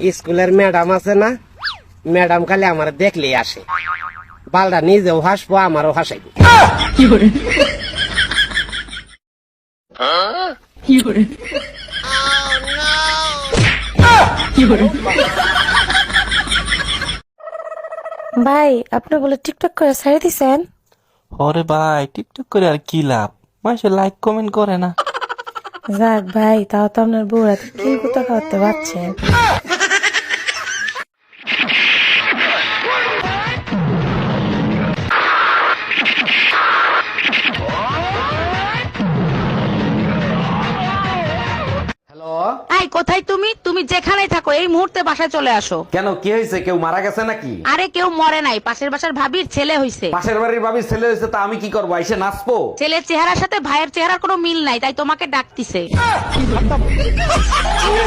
স্কুলের ম্যাডাম আছে না, ম্যাডাম খালি আমার দেখলেই আসে, বালটা নিজেও হাসবো আমারও হাসাইবো। ভাই আপনি বলে টিকটক করে ছেড়ে দিছেন? ওরে ভাই টিকটক করে আর কি লাভ, মানুষে লাইক কমেন্ট করে না। যাক ভাই, তাও তো আপনার বউরা কি কোথা খাওয়াতে পারছেন। হ্যালো, এই কোথায় তুমি? তুমি যেখানেই থাকো এই মুহূর্তে বাসায় চলে আসো। কেন, কি হয়েছে? কেউ মারা গেছে নাকি? আরে কেউ মরে নাই, পাশের বাসার ভাবির ছেলে হইছে। পাশের বাড়ির ভাবির ছেলে হয়েছে, তা আমি কি করবো? এসে নাচবো? ছেলের চেহারার সাথে ভাইয়ের চেহারার কোনো মিল নাই, তাই তোমাকে ডাকতিছে।